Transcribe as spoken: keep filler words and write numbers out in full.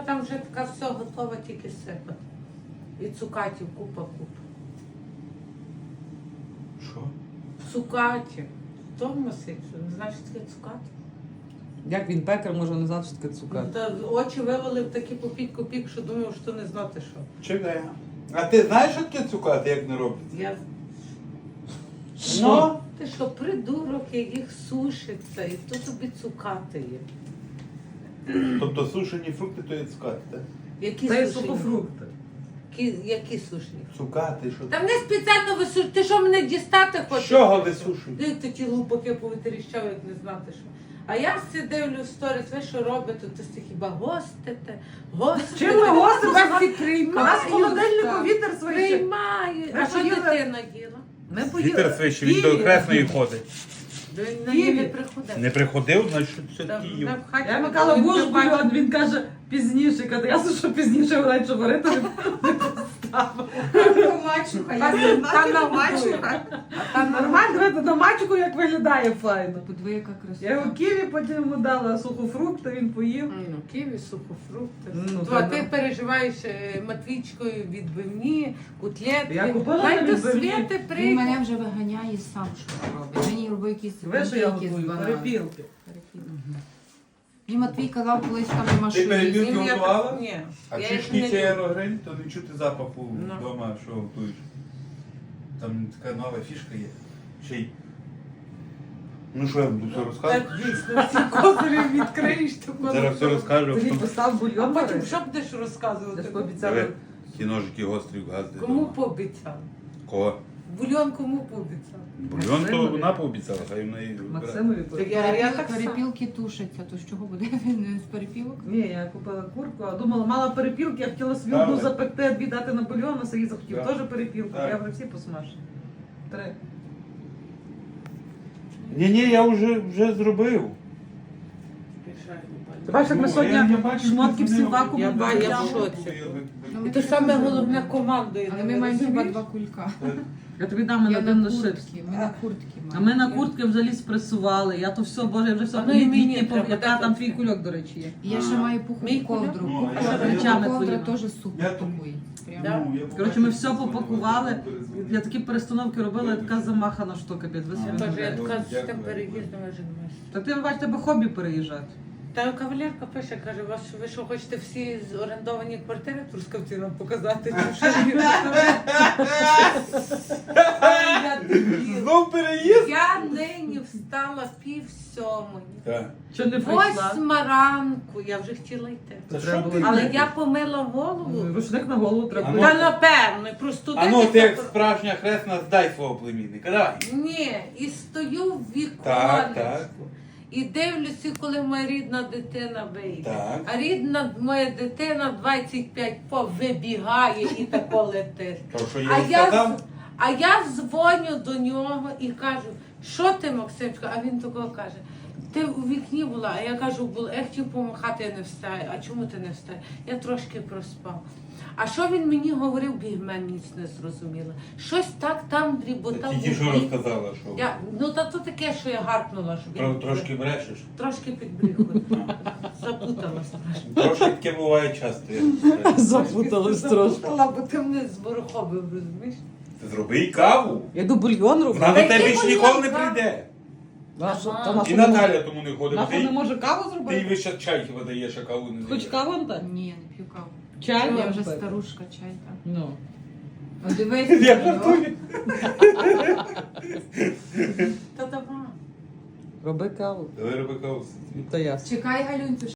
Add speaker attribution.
Speaker 1: там вже така все готова, тільки сипати. І цукатів купа-купа.
Speaker 2: Що?
Speaker 1: Цукатів. Хто носить? Не знаєш, що таке цукати?
Speaker 3: Як він пекар, може не знати, що таке цукати.
Speaker 1: Та очі вивели в такі попік-копік, що думав, що не знати що.
Speaker 2: Чекай. А ти знаєш, що таке цукати, як не робиться?
Speaker 1: Я...
Speaker 2: Ну?
Speaker 1: Ти що, придурок, як їх сушиться, і то тобі цукати є.
Speaker 2: Тобто сушені фрукти, то є цукати, так?
Speaker 1: Які
Speaker 3: Та й
Speaker 1: сушені?
Speaker 3: сухофрукти.
Speaker 1: Які, які сушені?
Speaker 2: Цукати, що
Speaker 1: Та мене спеціально висушують. Ти що мене дістати
Speaker 2: З
Speaker 1: хочеш?
Speaker 2: чого висушують?
Speaker 1: Ти такі лупаки повитріщав, як не знати що. А я всі дивлю сторіс, ви що робите? То всі хіба гостите, гостите.
Speaker 3: Чим ми гостимо?
Speaker 1: Вас всі
Speaker 3: У нас в холодильнику
Speaker 1: приймають.
Speaker 3: вітер свищить.
Speaker 1: Приймають.
Speaker 3: Ви
Speaker 1: А що
Speaker 3: поїли?
Speaker 1: дитина їла?
Speaker 3: Ми поїли.
Speaker 2: Вітер свище, він до Кресної ходить.
Speaker 1: Він на її не приходив.
Speaker 2: Не приходив, значить все
Speaker 1: Та
Speaker 2: таки
Speaker 1: вона
Speaker 2: їв.
Speaker 1: в хаті
Speaker 3: Я
Speaker 1: була,
Speaker 3: Микола
Speaker 1: він
Speaker 3: був
Speaker 1: не бачив.
Speaker 3: бульон, він каже пізніше. Каже, ясно, що пізніше вона що варити не поставила.
Speaker 4: Мачуха,
Speaker 1: Та-
Speaker 4: я
Speaker 1: та
Speaker 4: знаю,
Speaker 1: на
Speaker 4: мачуха.
Speaker 3: Та нормально, дивіться, на мачку як виглядає файно.
Speaker 4: Подиви, яка
Speaker 3: Я його
Speaker 4: красота.
Speaker 3: ківі, потім йому дала сухофрукти, він поїв.
Speaker 1: Ну, ківі, сухофрукти.
Speaker 3: Ну,
Speaker 1: То,
Speaker 3: та
Speaker 1: а
Speaker 3: да.
Speaker 1: ти переживаєш е, Матвійчкою відбивні, котлетки.
Speaker 3: Я купила
Speaker 1: Дай
Speaker 3: на
Speaker 1: до
Speaker 3: відбивні.
Speaker 1: Світи
Speaker 4: Він
Speaker 1: прийде.
Speaker 4: мене вже виганяє сам, що робить. Мені робить якісь
Speaker 3: Ви що я
Speaker 4: якісь
Speaker 3: готую?
Speaker 4: банани.
Speaker 3: Перепілки.
Speaker 4: Перепілки. Мені Матвій казав, колись там нема
Speaker 2: Ти
Speaker 4: що
Speaker 2: перепілки
Speaker 4: їсти.
Speaker 1: Він я
Speaker 2: готувала?
Speaker 1: так- Ні.
Speaker 2: А
Speaker 1: я
Speaker 2: чи
Speaker 1: їх не
Speaker 2: шкіця
Speaker 1: люблю.
Speaker 2: аерогриль, то не чути запаху
Speaker 1: Ну.
Speaker 2: вдома, що готуєш. Там така нова фішка є. Ще й... Ну що, я буду все розказувати?
Speaker 1: Так дійсно, всі козирі відкриєш, то
Speaker 2: Зараз все розкажу.
Speaker 3: Тоді
Speaker 2: що-
Speaker 3: постав
Speaker 1: А
Speaker 3: бульйон.
Speaker 1: потім
Speaker 3: варити.
Speaker 1: що будеш
Speaker 3: Я
Speaker 1: розказувати?
Speaker 3: ж пообіцяла.
Speaker 2: Диви, ті ножики гострі в газди.
Speaker 1: Кому пообіцяв?
Speaker 2: Кого?
Speaker 1: Бульйон кому пообіцяв?
Speaker 2: Бульйон то
Speaker 3: Максимові.
Speaker 2: вона пообіцяла, хай вона і вибирає.
Speaker 3: Максимові
Speaker 1: Так
Speaker 3: пообіцяла.
Speaker 1: я, я
Speaker 4: Перепіл-
Speaker 1: так само.
Speaker 4: Перепілки тушаться, то з чого буде він не з перепілок?
Speaker 3: Ні, я купила курку, а думала, мала перепілки, я хотіла собі
Speaker 2: Давай.
Speaker 3: одну запекти, а дві дати на бульйон, а Сергій захотів
Speaker 2: Так.
Speaker 3: теж перепілку.
Speaker 2: Так.
Speaker 3: Я вже всі посмажу. Три.
Speaker 2: Ні-ні, я вже, вже зробив.
Speaker 3: Ти бачиш, як ми
Speaker 2: Ну,
Speaker 3: сьогодні
Speaker 2: я- я бачу,
Speaker 3: шмотки
Speaker 2: ти
Speaker 3: всі
Speaker 2: дзвонила.
Speaker 3: вакуумом
Speaker 1: Я ба- я в
Speaker 3: відправляли.
Speaker 1: шоці.
Speaker 4: Ну,
Speaker 1: І те саме головне командою.
Speaker 4: Але ми маємо хіба два кулька.
Speaker 3: Я тобі дам на
Speaker 4: Я
Speaker 3: один
Speaker 4: на
Speaker 3: на шипс.
Speaker 4: куртки, ми на куртки
Speaker 3: А
Speaker 4: маємо.
Speaker 3: ми на куртки взагалі спресували. Я то все, боже, я вже все
Speaker 1: А ну і мені
Speaker 3: літні
Speaker 1: треба,
Speaker 3: пов'ята,
Speaker 1: дай
Speaker 3: там
Speaker 1: тут.
Speaker 3: твій кульок, до речі, є.
Speaker 4: І я ще маю пухову
Speaker 1: Мій
Speaker 4: ковдру.
Speaker 2: Ну, а
Speaker 4: Пухова
Speaker 3: я речами
Speaker 4: ковдра
Speaker 3: твоїми.
Speaker 4: теж супер
Speaker 2: Я тут-
Speaker 4: такий. Прямо.
Speaker 1: Да?
Speaker 3: Коротше, ми все попакували. Я такі перестановки робила, я така замахана штука, під ви собі
Speaker 1: Я теж, я
Speaker 3: не
Speaker 1: така з
Speaker 2: Дякую.
Speaker 1: тим переїздом я женуюся.
Speaker 3: Так ти бачиш, тебе хобі переїжджати.
Speaker 1: Та кавалерка пише, каже, вас, ви що хочете всі з орендовані квартири в Трускавці нам показати? Чи що ви Я дебіл.
Speaker 2: Знов переїзд?
Speaker 1: Я нині встала пів сьомої.
Speaker 2: Так.
Speaker 3: Чи не прийшла?
Speaker 1: Восьма ранку, я вже хотіла йти.
Speaker 2: Та
Speaker 3: Треба
Speaker 2: що
Speaker 3: було
Speaker 2: ти?
Speaker 1: Але я помила голову.
Speaker 3: Рушник на голову треба.
Speaker 2: А ну,
Speaker 1: Та напевно, просто
Speaker 2: А ну, ти як справжня хресна, здай свого племінника, давай.
Speaker 1: Ні, і стою в
Speaker 2: Так,
Speaker 1: віконечку.
Speaker 2: так.
Speaker 1: І дивлюся, коли моя рідна дитина вийде.
Speaker 2: Так.
Speaker 1: А рідна моя дитина двадцять п'ять по вибігає і тако летить.
Speaker 2: То, що
Speaker 1: А
Speaker 2: я їй
Speaker 1: я,
Speaker 2: сказав?
Speaker 1: з- а я дзвоню до нього і кажу, що ти, Максимчко? А він такого каже, ти у вікні була, а я кажу, була, я хотів помахати, я не встаю. А чому ти не встаєш? Я трошки проспав. А що він мені говорив, бігмен ніч не зрозуміла. Щось так там дріботав.
Speaker 2: Тільки що розказала, що
Speaker 1: Я, ну та то таке, що я гаркнула, що
Speaker 2: Тро-
Speaker 1: він
Speaker 2: трошки брешеш.
Speaker 1: трошки підбріхую. Запуталась трошки.
Speaker 2: Трошки таке буває часто. я знаю.
Speaker 3: Запуталась трошки.
Speaker 1: Запутала, бо ти мене зборохобив, розумієш?
Speaker 2: Ти зроби їй каву.
Speaker 3: Я йду бульйон
Speaker 2: Вона
Speaker 3: роблю.
Speaker 2: до
Speaker 1: Та
Speaker 2: тебе
Speaker 1: який
Speaker 2: ж ніколи не
Speaker 1: бульйон,
Speaker 2: прийде.
Speaker 3: Нашу-
Speaker 1: Ага.
Speaker 3: та нашу
Speaker 2: І
Speaker 3: не
Speaker 2: Наталя
Speaker 3: може-
Speaker 2: тому не ходить.
Speaker 3: Нашу не
Speaker 2: Ти,
Speaker 3: може каву
Speaker 2: ти їй
Speaker 3: зробити?
Speaker 2: весь час чай хіба даєш, а каву не
Speaker 3: Хоч
Speaker 2: даєш.
Speaker 3: каву Антон?
Speaker 4: Ні, я не п'ю каву.
Speaker 3: Чай
Speaker 4: Я
Speaker 3: вам
Speaker 4: вже
Speaker 3: пити?
Speaker 4: старушка, чай там.
Speaker 3: Ну.
Speaker 4: О, дивись,
Speaker 2: Я
Speaker 4: на нього.
Speaker 2: жартую.
Speaker 1: Та давай.
Speaker 3: Роби каву.
Speaker 2: Давай роби каву.
Speaker 3: Та ясно.
Speaker 4: Чекай, Галюнцю,